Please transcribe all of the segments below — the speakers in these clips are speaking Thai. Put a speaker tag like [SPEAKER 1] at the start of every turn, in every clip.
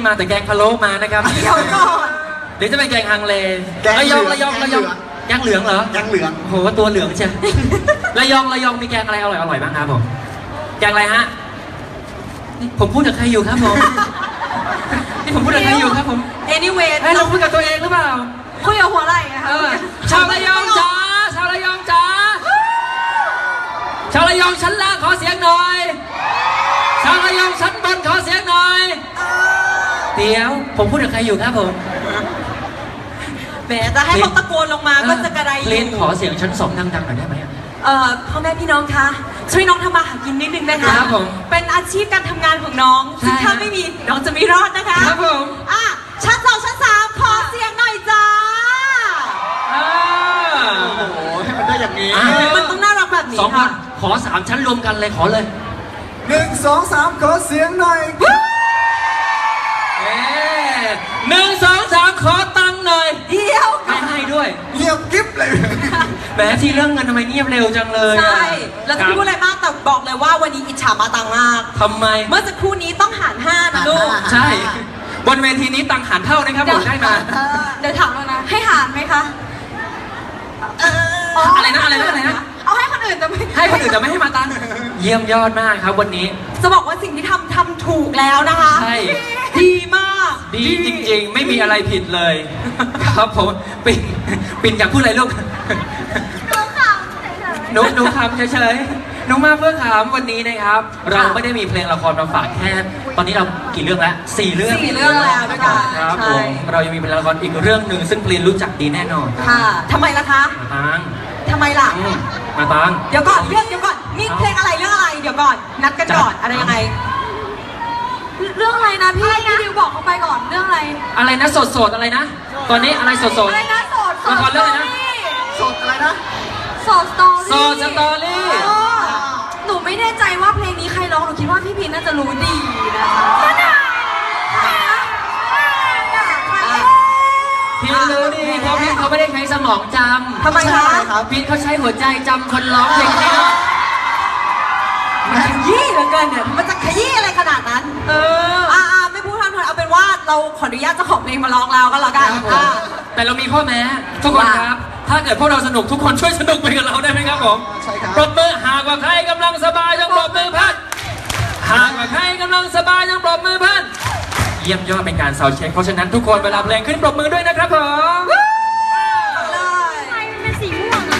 [SPEAKER 1] มาแต่แกงพะโล้มานะครับ
[SPEAKER 2] เดี๋ยวก่อน
[SPEAKER 1] หรือจะเป็นแกงฮังเลระยองแกงเหลืองเหรอ
[SPEAKER 3] แกงเหลือง
[SPEAKER 1] โหตัวเหลืองใช่ระยองมีแกงอะไรอร่อยบ้างครับผมแกงอะไรฮะผมพูดกับใครอยู่ครับผมนี่ผมพูดกับใครอยู่ครับผม
[SPEAKER 2] anyway
[SPEAKER 1] เราพูดกับตัวเองหรือเปล่า
[SPEAKER 2] คุยกับหัวไหล่นะคะ
[SPEAKER 1] ชาวระยองจ๋าชาวระยองจ๋าชาวระยองชั้นล่างขอเสียงหน่อยชาวระยองชั้นบนขอเสียงหน่อยเดี๋ยวผมพูดกับใครอยู่ครับผม
[SPEAKER 2] แหมจะให้เขาตะโกนลงมาก็จะกระไร
[SPEAKER 1] เล่นขอเสียงชั้น2ดังๆหน่อยได้ไหม
[SPEAKER 2] พ่อแม่พี่น้องคะช่วยน้องทำมาหากินนิดนึงนะคะ
[SPEAKER 1] ครับผม
[SPEAKER 2] เป็นอาชีพการทำงานของน้องซึ่งถ้าไม่มีน้องจะไม่รอดนะคะ
[SPEAKER 1] ครับผม
[SPEAKER 2] ชั้น2ชั้น3ขอเสียงหน่อยจ้า
[SPEAKER 3] โอ้โหให้มันได้อย่างนี้
[SPEAKER 2] มันต้องน่ารักแบบนี้
[SPEAKER 1] ค่ะขอ3ชั้นรวมกันเลยขอเลย
[SPEAKER 3] 1 2 3ขอเสียงหน่อย
[SPEAKER 1] 1 2 3ขอตังค์หน่อย
[SPEAKER 2] เดียว
[SPEAKER 1] ให้ด้วย
[SPEAKER 3] เงียบกิ๊บเลย
[SPEAKER 1] แหมที่เรื่องเงินทำไมเงียบเร็วจังเลย
[SPEAKER 2] ใช่แล้วจะพูดอะไรมากแต่บอกเลยว่าวันนี้อิจฉามาตังมาก
[SPEAKER 1] ทำไม
[SPEAKER 2] เมื่อสักครู่นี้ต้องหาร5นะลูก
[SPEAKER 1] ใช่บนเวทีนี้ตังหารเท่านะครับผมได้มา
[SPEAKER 2] เดี๋ยวถามแล้วนะให้หารไหมคะ
[SPEAKER 1] อะไรนะ
[SPEAKER 2] เอาให้คนอื่นแต่ไม่
[SPEAKER 1] ให้มาตังเยี่ยมยอดมากครับวันนี้
[SPEAKER 2] จะบอกว่าสิ่งที่ทำถูกแล้วนะคะ
[SPEAKER 1] ใช่
[SPEAKER 2] ดีมาก
[SPEAKER 1] ดีจริงๆไม่มีอะไรผิดเลยครับผมปิ่นอยากพูดอะไรลูกหนูขำเฉยๆหนูมาเพื่อขำวันนี้นะครับเราไม่ได้มีเพลงละครมาฝากแค่ตอนนี้เรากี่เรื่องแล้ว4 เรื่อง
[SPEAKER 2] แล้วด้วยกัน
[SPEAKER 1] ครับผมเรายังมีเพลงละครอีกเรื่องหนึ่งซึ่งเพลงรู้จักดีแน่นอน
[SPEAKER 2] ค่ะทำไมล่ะคะทำไมล่ะ
[SPEAKER 1] มาตัง
[SPEAKER 2] เดี๋ยวก่อนนี่เพลงอะไรเรื่องอะไรเดี๋ยวก่อนนัดกันก่อนอะไรยังไงเรื่องอะไรนะพี่ดิวบอกเขาไปก่อนเรื่องอะไร
[SPEAKER 1] นะสดอะไรนะตอนนี้อะไรสด
[SPEAKER 2] อะไรนะสด
[SPEAKER 1] ละครเรื่องอะไรนะ
[SPEAKER 3] สดอะไรนะ
[SPEAKER 2] สดสตอรี่หนูไม่แน่ใจว่าเพลงนี้ใครร้องหนูคิดว่าพี่พีน่าจะรู้ดีนะคะ
[SPEAKER 1] พี่รู้ดีเพราะพี่เขาไม่ได้ใช้สมองจำ
[SPEAKER 2] ทำไมคะ
[SPEAKER 1] พี่เขาใช้หัวใจจำคนร้องเพลงนี้
[SPEAKER 2] มันขยี้เหลือเกินเนี่ยมันจะขยี้อะไรขนาดนั้นไม่พูดทำเถอะเอาเป็นว่าเราขออนุญาตเจ้าของเพลงมาร้องแล้วก็แล้วกัน
[SPEAKER 1] แต่เรามีข้อแม้ทุกคนครับถ้าเกิดพวกเราสนุกทุกคนช่วยสนุกไปกับเราได้ไหมครับผม
[SPEAKER 3] ใช่ครับ
[SPEAKER 1] ปรบมือหากว่าใครกำลังสบายจงปรบมือพัดหากว่าใครกำลังสบายจงปรบมือพัดเยี่ยมยอดเป็นการซาวด์เช็คเพราะฉะนั้นทุกคนเวลาเพลงขึ้นปรบมือด้วยนะครับผม
[SPEAKER 2] เป็นสีม่วง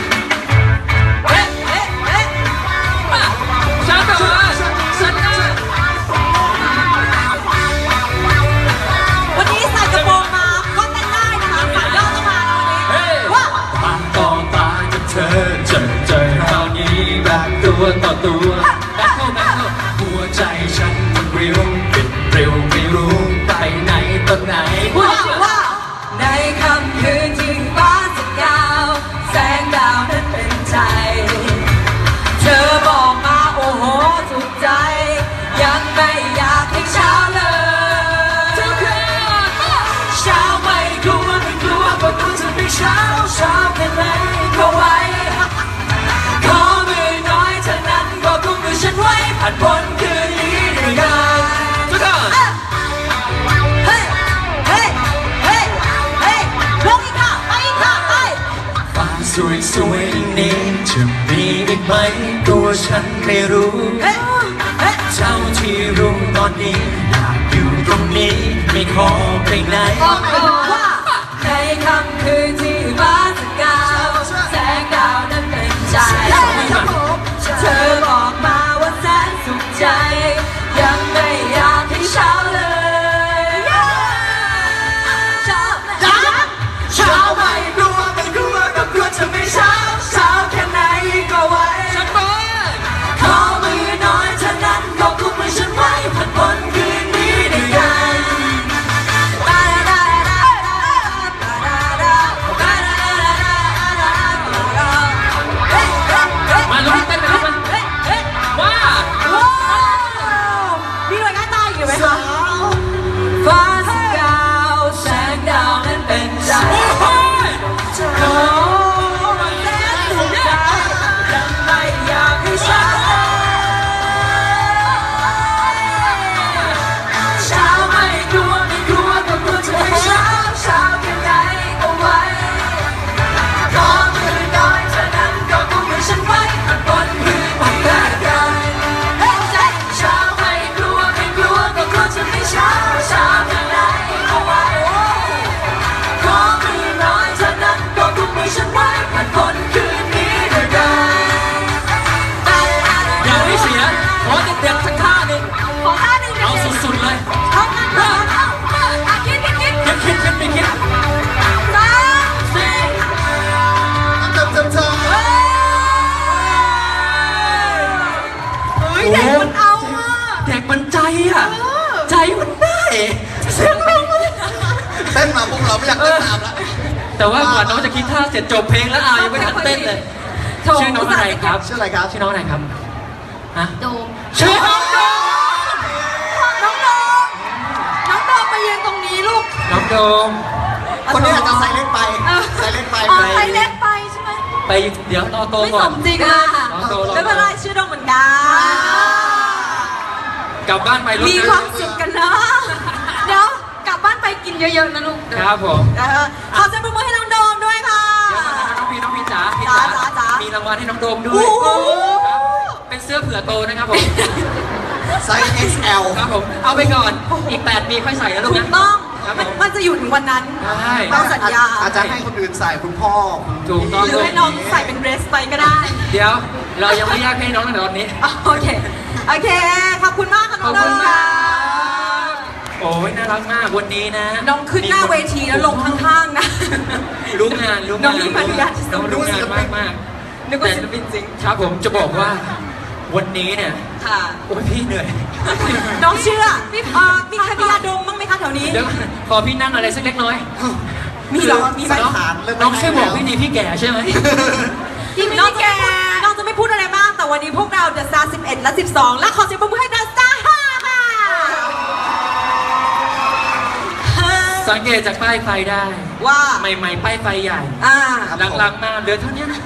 [SPEAKER 2] วันนี้ใส่กระโปรงมาก็เต้นได้นะคะขาย่อต้องมาวันนี้ว่า
[SPEAKER 1] ตาต่อตากับเธอเจอคราวนี้แบบตัวต่อตัวแบทเทิลหัวใจฉันมันเร็วไม่รู้ไปไหนตอนไหน
[SPEAKER 2] ว่าในค่ำคืนที่ฟ้าสกาวแสงดาวนั้นเป็นใจเธอบอกมาโอ้โหถูกใจยังไม่อยากให้เช้าเลยทุกคืนเช้าไม่กลัวไม่กลัวเพราะตัวจะไม่เช้าแค่ไหนก็ไหวขอมือน้อยเท่านั้นก็กุมมือฉันไว้ผ่านพ้นคืนนี้ด้วยกัน
[SPEAKER 1] สวยนี้จะมีอีกไหมตัวฉันไม่รู้เจ้าที่รู้ตอนนี้อยากอยู่ตรงนี้ไม่ขอไปไหน
[SPEAKER 2] ในค่ำคืนที่ฟ้าสกาวแสงดาวนั้นเป็นใจเธอบอกมาว่าแสนสุขใจยังไม่อยากให้เช้าเลยเช้าไม่กลัวไม่กลัวก็กลัวจะไม่เช้าแค่ไหนก็ไหวขอมือน้อยเท่านั้นก็กุมมือฉันไว้ผ่านพ้นคืนนี้ด้วยกัน
[SPEAKER 3] ต้นมาพวกเราไม่อยากเต้นตามแล้ว
[SPEAKER 1] แต่ว่ากว่าน้องจะคิดท่าเสร็จจบเพลงแล้วยังไม่ทันเต้นเลย
[SPEAKER 2] โถ
[SPEAKER 1] ชื่อน้องอะไรครับ
[SPEAKER 3] ชื่ออะไรครับ
[SPEAKER 1] ชื่อน้องอะไรครับฮะ
[SPEAKER 2] โดม
[SPEAKER 1] ชื่อน้องโดม
[SPEAKER 2] น้องโดมน้องโดมไปยืนตรงนี้ลูก
[SPEAKER 1] น้องโดม
[SPEAKER 3] คนนี้อาจจะใส่เล็กไป
[SPEAKER 2] เออ
[SPEAKER 3] ใส่เล็กไป
[SPEAKER 2] อ๋อใส่เล็กไปใช่ไหม
[SPEAKER 1] ไปเดี๋ยวโต
[SPEAKER 2] ไม่
[SPEAKER 1] ก่
[SPEAKER 2] ส
[SPEAKER 1] อน
[SPEAKER 2] มจริงเลย
[SPEAKER 1] น้องโดม
[SPEAKER 2] ไม่เป็นไรชื่อโดมเหมือนกัน
[SPEAKER 1] กลับบ้านไปลูก
[SPEAKER 2] มีความสุขกันเนาะเดี๋ยวกลับบ้านไปกินเยอะๆนะลูก
[SPEAKER 1] ครับผม
[SPEAKER 2] ขอเสียงปรบมือให้น้องโดมด้วยค่ะ
[SPEAKER 1] เดี๋ยวก่อนนะครับน้องพีจ๋า
[SPEAKER 2] จ๋า
[SPEAKER 1] มีรางวัลให้น้องโดมด้ว
[SPEAKER 2] โอ้
[SPEAKER 1] ย
[SPEAKER 2] โห
[SPEAKER 1] ครับเป็นเสื้อเผื่อโตนะครับผม
[SPEAKER 3] ไซส์ XL
[SPEAKER 1] ครับผมเอาไปก่อนอีก 8 ปีค่อยใส่นะลูก
[SPEAKER 2] ถู
[SPEAKER 1] นะ
[SPEAKER 2] กต้อง
[SPEAKER 1] ครับผม
[SPEAKER 2] มันจะอยู่ถึงวันนั้น
[SPEAKER 1] ใช่
[SPEAKER 2] ต้องสัญญา
[SPEAKER 3] อาจจะให้คนอื่นใส่คุณพ่อ
[SPEAKER 1] ถูกต้อง
[SPEAKER 2] หรือให้น้องใส่เป็นเดรสไปก็ได้
[SPEAKER 1] เดี๋ยวเรายังไม่แยกให้น้องในตอนนี้
[SPEAKER 2] โอเค โอเค ขอบคุณมากค่ะน้องโดมค่ะ
[SPEAKER 1] โอ้ยน่ารักมากวันนี้นะ
[SPEAKER 2] น้องขึ้นหน้าเวทีแล้วลงข้างๆนะ
[SPEAKER 1] รู้งาน
[SPEAKER 2] น้องมีมารยาทที่สุด
[SPEAKER 1] น้องรู้งานมากมาก
[SPEAKER 2] นึกว่าศิลปินจริง
[SPEAKER 1] ครับผมจะบอกว่าวันนี้เนี่ย
[SPEAKER 2] ค่ะ
[SPEAKER 1] โอ้ยพี่เหนื่อย
[SPEAKER 2] น้องเชื่อมีใครมียาดมบ้างไหมคะแถวนี้
[SPEAKER 1] เดี๋ยวขอพี่นั่งอะไรสักเล็กน้อย
[SPEAKER 2] มีเหรอมีไหม
[SPEAKER 3] ใส่ฐานเริ่ม
[SPEAKER 1] น้องช่วยบอกพี่ดีพี่แก่ใช่ไหม
[SPEAKER 2] น้องจะไม่พูดอะไรมาก แต่วันนี้พวกเรา The Star 11 และ 12 และขอเสียงปรบมือให้ The Star 5 ค่ะ
[SPEAKER 1] สังเกตจากป้ายไฟได้
[SPEAKER 2] ว่า
[SPEAKER 1] ใหม่ๆป้ายไฟใหญ่
[SPEAKER 2] อ่า
[SPEAKER 1] หลังๆมาเหลือเท่านี้นะ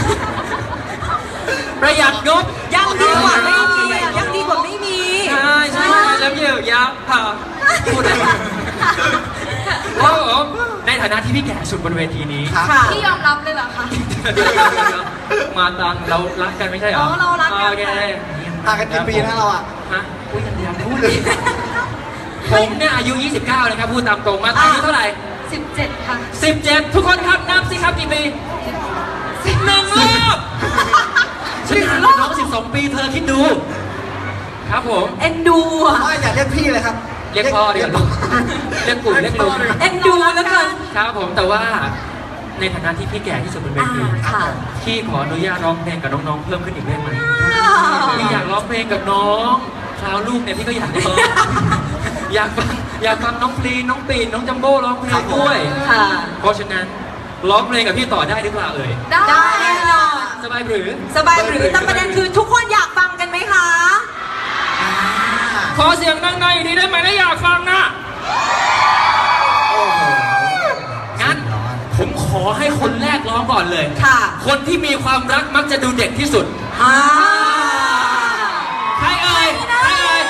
[SPEAKER 1] ประหยัดงบ
[SPEAKER 2] ยังดีกว่าไม่มีอ่ะยังดีกว่าไม่มี
[SPEAKER 1] ใช่ใช่แล้วเยอะยับค่ะพูดอะไรครับผมในฐานะที่พี่แก่สุดบนเวทีนี้
[SPEAKER 3] ครับ
[SPEAKER 2] ค่ะ
[SPEAKER 4] พี่ยอมรับเลยเหรอคะ
[SPEAKER 1] มาตังเรารักกันไม่ใช่เหรอ
[SPEAKER 4] เรารักกัน
[SPEAKER 1] โอเค
[SPEAKER 3] ห่างกันกี่ปีนะเราอ่ะ
[SPEAKER 1] ฮะพูดยังพูดเลยผมเนี่ยอายุ 29นะครับพูดตามตรงมาตังอายุเท่าไหร่
[SPEAKER 4] 17 ค่ะ
[SPEAKER 1] 17 ทุกคนครับนับสิครับกี่ปีหนึ่งรอบฉันห่างกับน้อง12 ปีเธอคิดดู ครับผม
[SPEAKER 2] เอ็นดูอ่ะ
[SPEAKER 3] ไม่อย่าเรียกพี่เลยครับ
[SPEAKER 1] เรียกพ่อดีกว่าลูกเรียกปู่เรียกลุง
[SPEAKER 2] เอ็นดูแล้วกัน
[SPEAKER 1] ครับผมแต่ว่าในฐานะที่พี่แก่ที่สุดบนเวที
[SPEAKER 2] ค่ะ
[SPEAKER 1] พี่ขออนุญาตร้องเพลงกับน้องๆเพิ่มขึ้นอีกได้ไหมพี่อยากร้องเพลงกับน้องคราวลูกเนี่ยพี่ก็อยากร้องอยากฟังน้องพลีนน้องปีนน้องจัมโบ้ร้องเพลงด้วย
[SPEAKER 2] ค่ะ
[SPEAKER 1] เพราะฉะนั้นร้องเพลงกับพี่ต่อได้หรือเปล่าเอ่ย
[SPEAKER 2] ได้แน่นอน
[SPEAKER 1] สบายหรือ
[SPEAKER 2] สบายหรือแต่ประเด็นคือทุกคนอยากฟังกันไหมคะ
[SPEAKER 1] ขอเสียงดังๆอีกทีได้ไหมถ้าอยากฟังนะ
[SPEAKER 3] โอ้โห
[SPEAKER 1] งั้นผมขอให้คนแรกร้องก่อนเลย
[SPEAKER 2] ค่ะ
[SPEAKER 1] คนที่มีความรักมักจะดูเด็กที่สุด
[SPEAKER 2] อ่า
[SPEAKER 1] ใครเอ่ยใครเอ่ย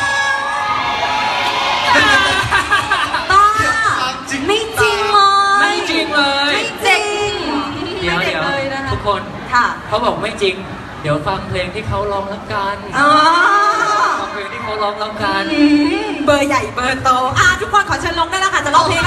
[SPEAKER 2] ต้าไม่จริงเลย
[SPEAKER 1] ไม่จริงเลย
[SPEAKER 2] ไม่จริง
[SPEAKER 1] เดี๋ยว
[SPEAKER 2] ไม่ด็กเลยนะคะ
[SPEAKER 1] ทุกคน
[SPEAKER 2] ค่ะ
[SPEAKER 1] เขาบอกไม่จริง เดี๋ยวฟังเพลงที่เขาร้องแล้วกัน
[SPEAKER 2] อ๋อ
[SPEAKER 1] ฟังเพลงที่เขาร้องแล้วกัน
[SPEAKER 2] เบอร์ใหญ่เบอร์โตทุกคนขอเชิญลงได้แล้วค่ะ จะร้องเพลง